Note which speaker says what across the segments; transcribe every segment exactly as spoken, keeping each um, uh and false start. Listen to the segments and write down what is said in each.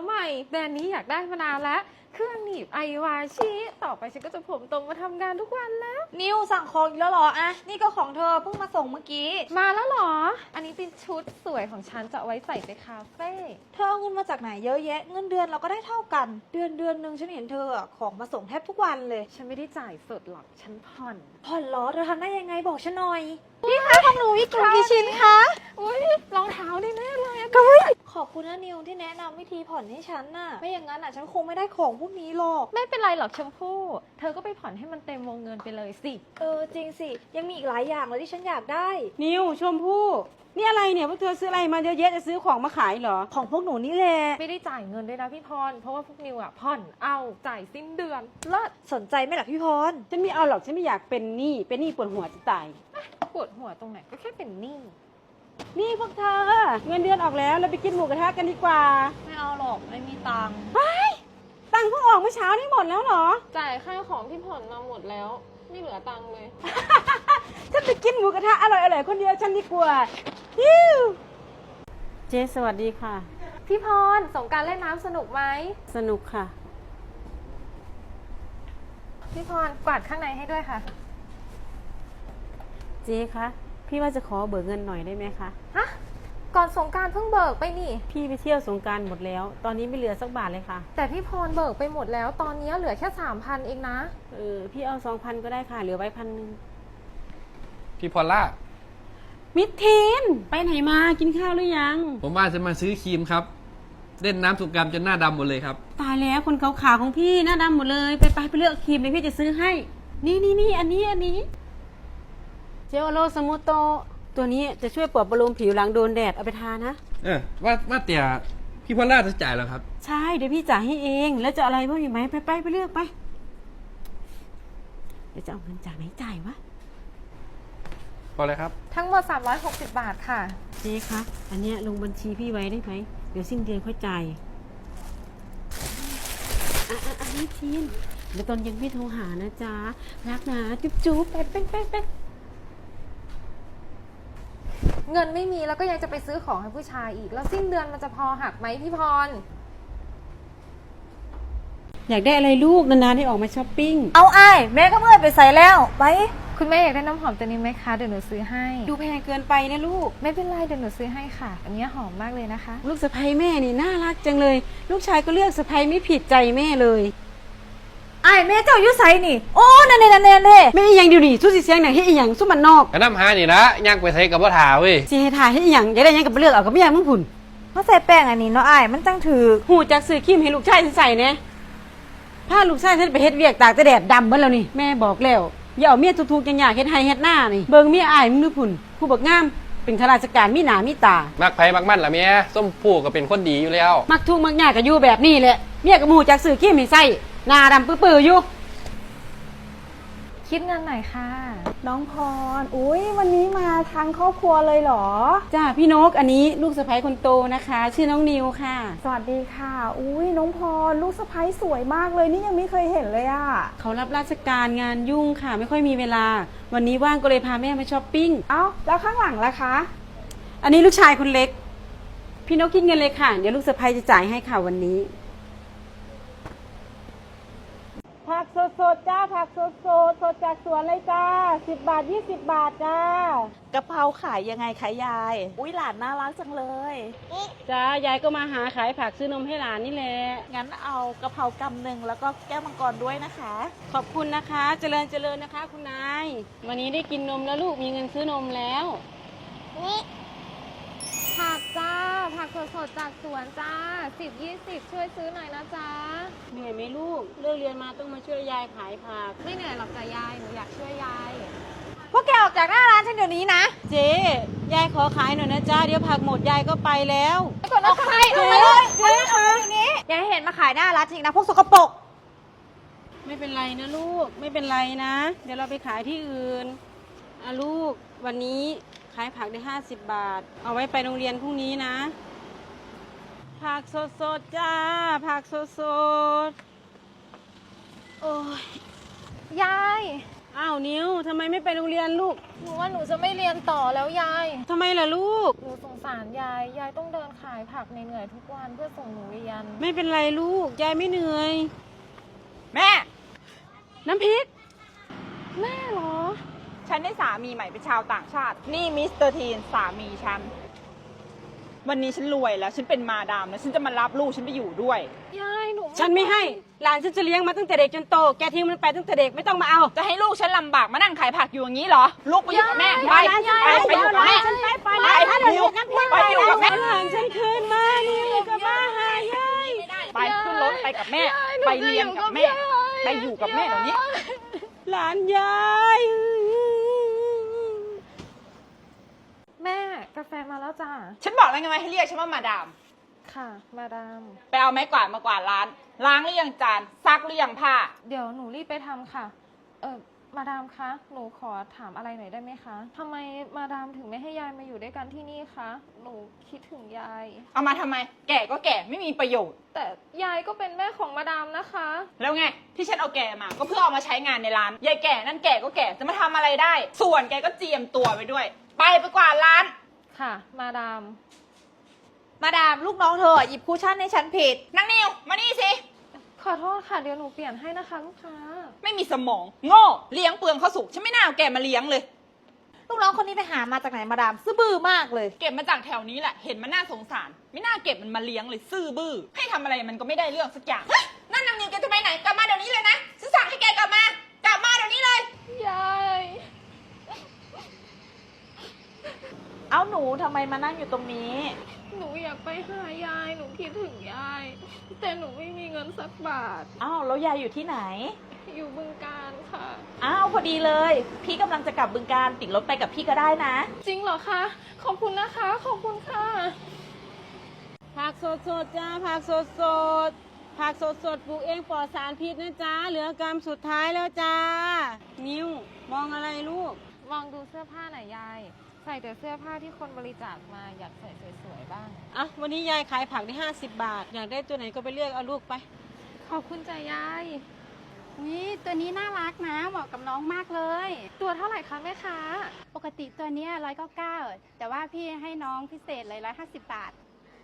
Speaker 1: ใหม่แบรนด์นี้อยากได้มานานแล้วเครื่องหนีบไอวาชิต่อไปฉันก็จะผมตรงมาทำงานทุกวันแล้ว
Speaker 2: นิวสั่งของอีกแล้วเหรออะนี่ก็ของเธอเพิ่งมาส่งเมื่อกี้
Speaker 1: มาแล้วเหรออันนี้เป็นชุดสวยของฉันจะเอาไว้ใส่ไปคาเฟ่
Speaker 2: เธอเอาเงินมาจากไหนเยอะแยะเงินเดือนเราก็ได้เท่ากันเดือนเดือนหนึ่งฉันเห็นเธอของมาส่งแทบทุกวันเลย
Speaker 1: ฉันไม่ได้จ่ายสดหรอกฉันผ่อน
Speaker 2: ผ่อนเหรอเธอทำได้ยังไงบอกฉันหน่อยพี่คะของหนูมีกลุ่มกี่ชิ้นคะ
Speaker 1: อุ้ยรองเท้าแน่ๆเลย
Speaker 2: ขอบคุณนะนิวที่แนะนำวิธีผ่อนให้ฉันน่ะไม่อย่างนั้นอ่ะฉันคงไม่ได้ของพวกนี้หรอก
Speaker 1: ไม่เป็นไรหรอกชมพู่เธอก็ไปผ่อนให้มันเต็มวงเงินไปเลยสิ
Speaker 2: เออจริงสิยังมีอีกหลายอย่างเลยที่ฉันอยากได้
Speaker 3: นิวชมพู่นี่อะไรเนี่ยพวกเธอซื้ออะไรมาเยอะแยะจะซื้อของมาขายเหรอ
Speaker 2: ของพวกหนูนี่แหละ
Speaker 1: ไม่ได้จ่ายเงินด้วยนะพี่พรเพราะว่าพวกนิวอ่ะผ่อนเอาจ่ายสิ้นเดือนเลิศ
Speaker 2: สนใจไหมล่ะพี่พร
Speaker 3: ฉันไม่เอาหรอกฉันไม่อยากเป็นหนี้เป็นหนี้ปวดหัวจะตาย
Speaker 1: ปวดหัวตรงไหนก็แค่เป็นหนี้
Speaker 3: นี่พวกเธอเงินเดือนออกแล้วเราไปกินหมูกระทะกันดีกว่า
Speaker 2: ไม่เอาหรอกไม่มีตังค์
Speaker 3: ไปตังค์เพิ่งออกเมื่อเช้านี่หมดแล้วเหรอ
Speaker 1: จ่ายค่าของที่ผ่อนมาหมดแล้วไม่เหลือตังค์เลย
Speaker 3: ฉันไปกินหมูกระทะอร่อยๆคนเดียวฉันดีกว่าฮิวเจ๊สวัสดีค่ะ
Speaker 1: พี่พรสงกรานต์เล่นน้ำสนุกไหม
Speaker 3: สนุกค่ะ
Speaker 1: พี่พรกวาดข้างในให้ด้วยค่ะ
Speaker 3: เจ๊คะพี่ว่าจะขอเบิกเงินหน่อยได้ไหมคะ
Speaker 1: ฮะก่อนสงกรานต์เพิ่งเบิกไปนี่
Speaker 3: พี่ไปเที่ยวสงกรานต์หมดแล้วตอนนี้ไม่เหลือสักบาทเลยค่ะ
Speaker 1: แต่พี่พรเบิกไปหมดแล้วตอนนี้เหลือแค่สามพันเองนะ
Speaker 3: เออพี่เอาสองพันก็ได้ค่ะเหลือไว้พันหนึ่ง
Speaker 4: พี่พอลล่า
Speaker 3: มิทีนไปไหนมากินข้าวหรือยัง
Speaker 4: ผมว่าจะมาซื้อครีมครับเล่นน้ำสงกรานต์จนหน้าดำหมดเลยครับ
Speaker 3: ตายแล้วคนขาวๆของพี่หน้าดำหมดเลยไปไปไปเลือกครีมเลยพี่จะซื้อให้นี่นี่นี่อันนี้อันนี้เจลโลสมูโตตัวนี้จะช่วยปลอบประโลมผิวหลังโดนแดดเอาไปทานะ
Speaker 4: เออว่าว่าแต่พี่พอลล่าจะจ่ายแล้วครับ
Speaker 3: ใช่เดี๋ยวพี่จ่ายให้เองแล้วจะอะไรบ้างอยู่ไหมไปไปไปเลือกไปเดี๋ยวจะเอาเงินจากไหนจ่ายวะ
Speaker 4: พอเลยครับ
Speaker 1: ทั้งหมดสามร้อยหกสิบบาทค่ะ
Speaker 3: เจ๊คะอันเนี้ยลงบัญชีพี่ไว้ได้ไหมเดี๋ยวสิ้นเดือนค่อยจ่ายอ่ะอ่ะอันนี้ทีนเดี๋ยวตอนเย็นพี่โทรหานะจ๊ะรักนะจุ๊บจุ๊บไปไปไปไป
Speaker 1: เงินไม่มีแล้วก็ยังจะไปซื้อของให้ผู้ชายอีกแล้วสิ้นเดือนมันจะพอหักไหมพี่พร
Speaker 3: อยากได้อะไรลูกนานๆได้ออกมาช้อปปิ้ง
Speaker 2: เอาไอ้แม่ก็เมื่อยไปใส่แล้วไป
Speaker 1: คุณแม่อยากได้น้ำหอมตัวนี้ไหมคะเดี๋ยวหนูซื้อให้
Speaker 3: ดูแพงเกินไปนะลูก
Speaker 1: ไม่เป็นไรเดี๋ยวหนูซื้อให้ค่ะอันนี้หอมมากเลยนะคะ
Speaker 3: ลูกสะใภ้แม่นี่น่ารักจังเลยลูกชายก็เลือกสะใภ้ไม่ผิดใจแม่เลย
Speaker 2: ไอ้แม่เจ้าอยู่ไสนี่โอ้นั่นนี่นั่นนี่นั่นนี่
Speaker 3: ไม่อีหยังเดี๋ยวนี้สู้สิเสียงหนังให้อีหยังสู้มันนอก
Speaker 4: กระน้ำหานี่ละย่างไปใส่กับว่าถาเว้ย
Speaker 3: สิให้ถ่ายให้อีหยังอยากได้ยังกับเลือกเอากับไม่อยากมึงผุ่น
Speaker 2: เขาใส่แป้งอันนี้เนาะไอ้มันจังถือ
Speaker 3: หูจักซื้อครีมให้ลูกชายใส่เนี่ยผ้าลูกชายฉันไปเฮ็ดเวียกตากแดดดำเบิ่แล้วนี่แม่บอกแล้วอย่าเอาเมียทุกๆจังหยาเฮ็ดให้เฮ็ดหน้านี่เบิ่งเมียอ้ายมึงดูผุ่นผู้บักงามเป็นข้าราชการมีหน้ามีตา
Speaker 4: มักไผมักมันล่ะแม่ส้มผู้ก็เป็นคนดีอยู่แล้ว
Speaker 3: มักทุกมักยากก็อยู่แบบนี้แหละเมียก็หูจักซื้อครีมให้ใส่หน้าดำปื้อๆอยู่
Speaker 1: คิดเงินหน่อยค่ะ
Speaker 2: น้องพรอุ้ยวันนี้มาทางครอบครัวเลยเหรอ
Speaker 3: จ้าพี่นกอันนี้ลูกสะใภ้คนโตนะคะชื่อน้องนิวค่ะ
Speaker 2: สวัสดีค่ะอุ้ยน้องพรลูกสะใภ้สวยมากเลยนี่ยังไม่เคยเห็นเลยอ่ะ
Speaker 3: เขารับราชการงานยุ่งค่ะไม่ค่อยมีเวลาวันนี้ว่างก็เลยพาแม่มาช้อปปิ้ง
Speaker 2: เอ้าแล้วข้างหลังล่ะคะ
Speaker 3: อันนี้ลูกชายคนเล็กพี่นกคิดเงินเลยค่ะเดี๋ยวลูกสะใภ้จะจ่ายให้ค่ะวันนี้ผักสดๆจ้าผักสดๆสดจากสวนเลยจ้าสิบบาทยี่สิบบาทจ้ากะ
Speaker 2: เพราขายยังไงคะยายอุ้ยหลานน่ารักจังเลย
Speaker 3: จ้ายายก็มาหาขายผักซื้อนมให้หลานนี่แหละ
Speaker 2: งั้นเอากะเพรากำหนึ่งแล้วก็แก้วมังกรด้วยนะคะ
Speaker 3: ขอบคุณนะคะเจริญเจริญนะคะคุณนายวันนี้ได้กินนมแล้วลูกมีเงินซื้อนมแล้ว
Speaker 1: นี่ผักจ้าผักสดๆจากสวนจ้าสิบยี่สิบช่วยซื้อหน่อยนะจ๊ะ
Speaker 3: เหนื่อยไหมลูกเลิกเรียนมาต้องมาช่วยยายขายผัก
Speaker 1: ไม่เหนื่อยหรอกจ้ะยายหนูอยากช่วยยาย
Speaker 2: พวกแกออกจากหน้าร้านฉันเดี๋ยวนี้นะ
Speaker 3: เจ๊ยายขอขายหน่อยนะจ้าเดี๋ยวผักหมดยายก็ไปแล้ว
Speaker 2: ไปก่อนนะใครเอาไปเลยเจ๊คะนี้ยายเห็นมาขายหน้าร้านจริงนะพวกสกปรก
Speaker 3: ไม่เป็นไรนะลูกไม่เป็นไรนะเดี๋ยวเราไปขายที่อื่นอ่ะลูกวันนี้ขายผักได้ห้าสิบบาทเอาไว้ไปโรงเรียนพรุ่งนี้นะผักสดๆจ้าผักสดๆโอ้ย
Speaker 1: ยาย
Speaker 3: อ้าวนิวทำไมไม่ไปโรงเรียนลูก
Speaker 1: หนูว่าหนูจะไม่เรียนต่อแล้วยาย
Speaker 3: ทำไมล่ะลูก
Speaker 1: หนูสงสารยาย ยายต้องเดินขายผักเหนื่อยๆทุกวันเพื่อส่งหนูเรียน
Speaker 3: ไม่เป็นไรลูกยายไม่เหนื่อย
Speaker 5: แม่
Speaker 3: น้ำพริก
Speaker 1: แม่เหรอ
Speaker 5: ฉันได้สามีใหม่เป็นชาวต่างชาติ นี่มิสเตอร์ทีนสามีฉัน วันนี้ฉันรวยแล้ว ฉันเป็นมาดามแล้วฉันจะมารับลูกฉันไปอยู่ด้วย
Speaker 1: ยายหนู
Speaker 3: ฉันไม่ให้หลานฉันจะเลี้ยงมาตั้งแต่เด็กจนโตแกทิ้งมันไปตั้งแต่เด็กไม่ต้องมาเอา
Speaker 5: จะให้ลูกฉันลำบากมานั่งขายผักอยู่อย่างนี้เหรอ ลูกไปอยู่กับแม่ ไป
Speaker 3: ยาย
Speaker 5: ไปไปอยู่กับแม่
Speaker 3: ไปไป
Speaker 5: ไปนิวไปอยู่กับแม่
Speaker 3: หลานฉันคืนมานี่กับมาหายาย
Speaker 5: ไปขึ้นรถไปกับแม่ ไปเรียนกับแม่ ไปอยู่กับแม่เดี๋ยวนี้
Speaker 3: หลานยาย
Speaker 1: แม่กาแฟมาแล้วจ้า
Speaker 5: ฉันบอกแล้วไงว่าให้เรียกฉันว่ามาดาม
Speaker 1: ค่ะ มาดาม
Speaker 5: ไปเอาไม้กวาดมากวาดร้าน ล้างหรือยังจาน ซักหรือยังผ้า
Speaker 1: เดี๋ยวหนูรีบไปทำค่ะ เออมาดามคะ หนูขอถามอะไรหน่อยได้ไหมคะทำไมมาดามถึงไม่ให้ยายมาอยู่ด้วยกันที่นี่คะ หนูคิดถึงยาย
Speaker 5: เอามาทำไม แก่ก็แก่ไม่มีประโยชน์
Speaker 1: แต่ยายก็เป็นแม่ของมาดามนะคะ
Speaker 5: แล้วไงที่ฉันเอาแกมาก็เพื่อเอามาใช้งานในร้าน ยายแก่นั่นแก่ก็แก่จะมาทำอะไรได้ ส่วนแกก็เจียมตัวไปด้วย ไปไปกวาดร้าน
Speaker 1: ค่ะ มาดาม
Speaker 2: มาดามลูกน้องเธอหยิบคูชั่นให้ฉันผิด
Speaker 5: นางนิวมานี่สิ
Speaker 1: ขอโทษค่ะ เดี๋ยวหนูเปลี่ยนให้นะคะลูกค้า
Speaker 5: ไม่มีสมองโง่เลี้ยงเปลืองข้าวสุกฉันไม่น่าเอาแกมาเลี้ยงเลย
Speaker 2: ลูกน้องคนนี้ไปหามาจากไหนมาดามซื่อบื้อมากเลย
Speaker 5: เก็บมาจากแถวนี้แหละเห็นมันน่าสงสาร ไม่น่าเก็บมันมาเลี้ยงเลยซื่อบื้อให้ทำอะไรมันก็ไม่ได้เรื่องสักอย่างเฮ้ยนั่นนางนิวแกจะไปไหนกลับมาเดี๋ยวนี้เลยนะฉันสั่งให้แกกลับมากลับมาเดี๋ยวนี้เลย
Speaker 1: ยาย
Speaker 2: เอาหนูทำไมมานั่งอยู่ตรงนี้
Speaker 1: หนูอยากไปหายาย หนูคิดถึงยาย แต่หนูไม่มีเงินสักบาท
Speaker 2: อ้าวแล้วยายอยู่ที่ไหน
Speaker 1: อยู่บึงการค่ะ
Speaker 2: อ้าวพอดีเลย พี่กำลังจะกลับบึงการติดรถไปกับพี่ก็ได้นะ
Speaker 1: จริงเหรอคะ ขอบคุณนะคะ ขอบคุณค่ะ
Speaker 3: ผักสดสดๆจ้าผักสดสดๆผักสดสดๆปลูกเองปลอดสารพิษนะจ้าเหลือกรรมสุดท้ายแล้วจ้า นิวมองอะไรลูก
Speaker 1: มองดูเสื้อผ้าหน่อยยาย ใส่แต่เสื้อผ้าที่คนบริจาคมาอยากใส่สวยๆบ้าง
Speaker 3: อ่ะวันนี้ยายขายผักได้ห้าสิบบาท อยากได้ตัวไหนก็ไปเลือกเอาลูกไป
Speaker 1: ขอบคุณจ้ะยาย
Speaker 6: นี่ตัวนี้น่ารักนะเหมาะกับน้องมากเลย
Speaker 1: ตัวเท่าไหร่คะแม่ค้า
Speaker 6: ปกติตัวเนี้ร้อยเก้าเก้าแต่ว่าพี่ให้น้องพิเศษเลยร้อยห้าสิบบาท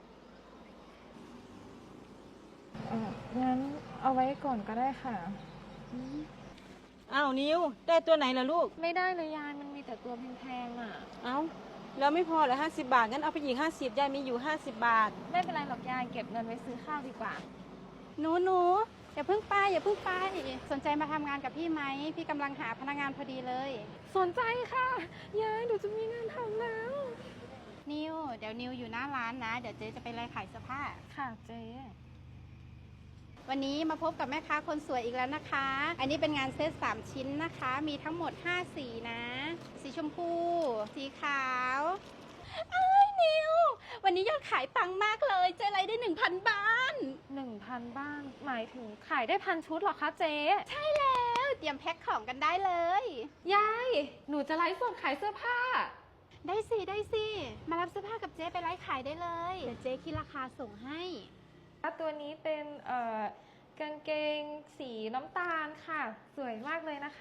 Speaker 1: เอองั้นเอาไว้ก่อนก็ได้ค่ะ
Speaker 3: อ้าวนิวได้ตัวไหนล่ะลูก
Speaker 1: ไม่ได้เลยยาย มันมีแต่ตัวแพงๆอ่ะ
Speaker 3: เอ้าแล้วไม่พอเหรอห้าสิบบาทงั้นเอาไปอีกห้าสิบยายมีอยู่ห้าสิบบาท
Speaker 1: ไม่เป็นไรหรอกยาย เก็บเงินไว้ซื้อข้าวดีกว่า
Speaker 6: หนูหนูอย่าเพิ่งไปอย่าเพิ่งไปสนใจมาทำงานกับพี่ไหมพี่กำลังหาพนักงานพอดีเลย
Speaker 1: สนใจค่ะ ยาย หนูจะมีงานทำแล้ว
Speaker 6: นิวเดี๋ยวนิวอยู่หน้าร้านนะ เดี๋ยวเจ๊จะไปไล่ขายเสื้อผ้า
Speaker 1: ค่ะเจ๊
Speaker 6: วันนี้มาพบกับแม่ค้าคนสวยอีกแล้วนะคะ อันนี้เป็นงานเซตสามชิ้นนะคะ มีทั้งหมดห้าสีนะ สีชมพู สีขาวไอ้ายนิว วันนี้ยอดขายปังมากเลย เจ๊ไรได้หนึ่งพันบ้าน
Speaker 1: หนึ่งพันบ้าน หมายถึงขายได้พันชุดเหรอคะเจ๊
Speaker 6: ใช่แล้วเตรียมแพ็คของกันได้เลย
Speaker 1: ยาย หนูจะไลฟ์สดขายเสื้อผ้า
Speaker 6: ได้สิ ได้สิ มารับเสื้อผ้ากับเจ๊ไปไลฟ์ขายได้เลย เดี๋ยวเจ๊คิดราคาส่งให้
Speaker 1: ตัวนี้เป็นเอ่อกางเกงสีน้ำตาลค่ะ สวยมากเลยนะคะ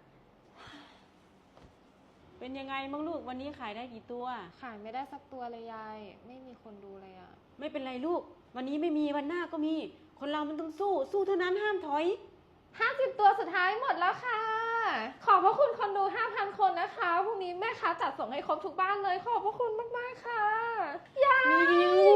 Speaker 3: เป็นยังไงบ้างลูกวันนี้ขายได้กี่ตัว
Speaker 1: ขายไม่ได้สักตัวเลยยาย ไม่มีคนดูเลยอะ
Speaker 3: ไม่เป็นไรลูก วันนี้ไม่มีวันหน้าก็มี คนเรามันต้องสู้ สู้เท่านั้นห้ามถอย
Speaker 1: ห้าสิบตัวสุดท้ายหมดแล้วค่ะ ขอบพระคุณคนดู ห้าพัน คนนะคะ พรุ่งนี้แม่ค้าจัดส่งให้ครบทุกบ้านเลย ขอบพระคุณมากๆค่ะ ยาย
Speaker 3: นิว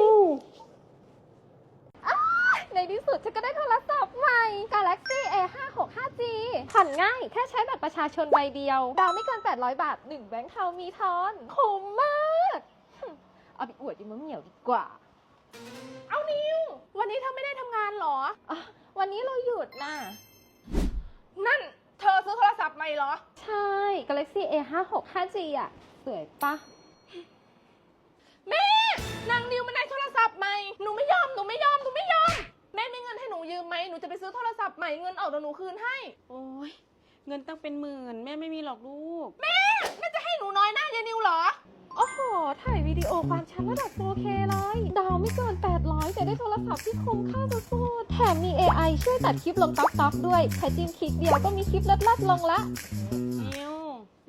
Speaker 1: ในที่สุดฉันก็ได้โทรศัพท์ใหม่ Galaxy เอ ห้าหกห้าจี ผ่อนง่าย แค่ใช้บัตรประชาชนใบเดียว ดาวไม่เกิน แปดร้อย บาท หนึ่งแบงค์เทามีทอน คุ้มมากหึเอาไปอวดยิมะเหมียวดีกว่า เอานิว วันนี้เธอไม่ได้ทำงานเหรออวันนี้เราหยุดน่ะ
Speaker 5: นั่นเธอซื้อโทรศัพท์ใหม่เหรอ
Speaker 1: ใช่ Galaxy เอ ห้าหกห้าจี อ่ะ สวยปะ
Speaker 7: แม่นางนิวมันได้โทรศัพท์ใหม่ หนูไม่ยอม หนูไม่ยอม หนูไม่ยอม แม่มีเงินให้หนูยืมไหม หนูจะไปซื้อโทรศัพท์ใหม่ เงินออกเดี๋ยวหนูคืนให้
Speaker 3: โอ้ยเงินตั้งเป็นหมื่นแม่ไม่มีหรอกลูก
Speaker 7: แม่จะให้หนูน้อยหน้ายายนิวเหรอ
Speaker 1: โอ้โห ถ่ายวิดีโอความชัดระดับ โฟร์เค เลย ดาวไม่เกิน แปดร้อย แต่ได้โทรศัพท์ที่คุ้มค่าสุดๆแถมมี เอ ไอ ช่วยตัดคลิปลงต๊อกๆด้วยแค่จิ้มคลิกเดียวก็มีคลิปลัดๆลงละ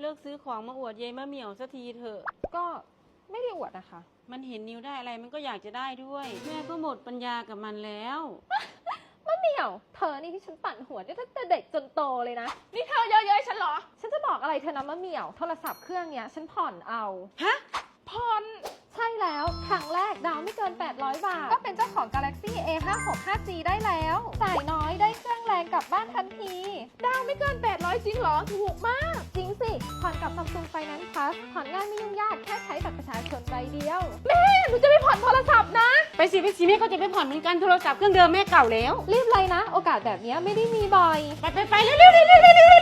Speaker 3: กซื้อของมาอวดยายมะเหมี่ยวสักทีเถอะ
Speaker 1: ก็ไม่ได้อวดนะคะ
Speaker 3: มันเห็นนิวได้อะไรมันก็อยากจะได้ด้วย แม่ก็หมดปัญญากับมันแล้ว
Speaker 1: มะเหมี่ยว เธอนี่ที่ฉันปั่นหัวได้ตั้งแต่เด็กจนโตเลยนะ
Speaker 7: นี่เธอเยอะๆฉันเหรอ
Speaker 1: ฉันจะบอกอะไรเธอนะมะเหมี่ยว โทรศัพท์เครื่องเนี้ยฉันผ่อนเอา
Speaker 3: ฮะ
Speaker 7: ผ่อน
Speaker 1: ใช่แล้ว ครั้งแรกดาวไม่เกิน แปดร้อย บาท ก็เป็นเจ้าของ Galaxy เอ ห้าหก ห้าจี ได้แล้ว จ่ายน้อยได้เครื่องแรงกลับบ้านทันที
Speaker 7: ดาวไม่เกินแปดร้อยจริงเหรอ ถูกมาก
Speaker 1: จริงสิ ผ่อนกับ Samsung Finance Plus ผ่อนง่ายไม่ยุ่งยาก แค่ใช้บัตรประชาชนใบเดียว
Speaker 7: แม่ หนูจะไปผ่อนโทรศัพท์นะ
Speaker 3: ไปสิไปสิแม่ก็จะไปผ่อนเหมือนกันโทรศัพท์เครื่องเดิมแม่เก่าแล้ว
Speaker 1: รีบเลยนะ โอกาสแบบเนี้ยไม่ได้มีบ่อย
Speaker 3: ไปไปไปเร็วเร็วเร็วเร็วเร็ว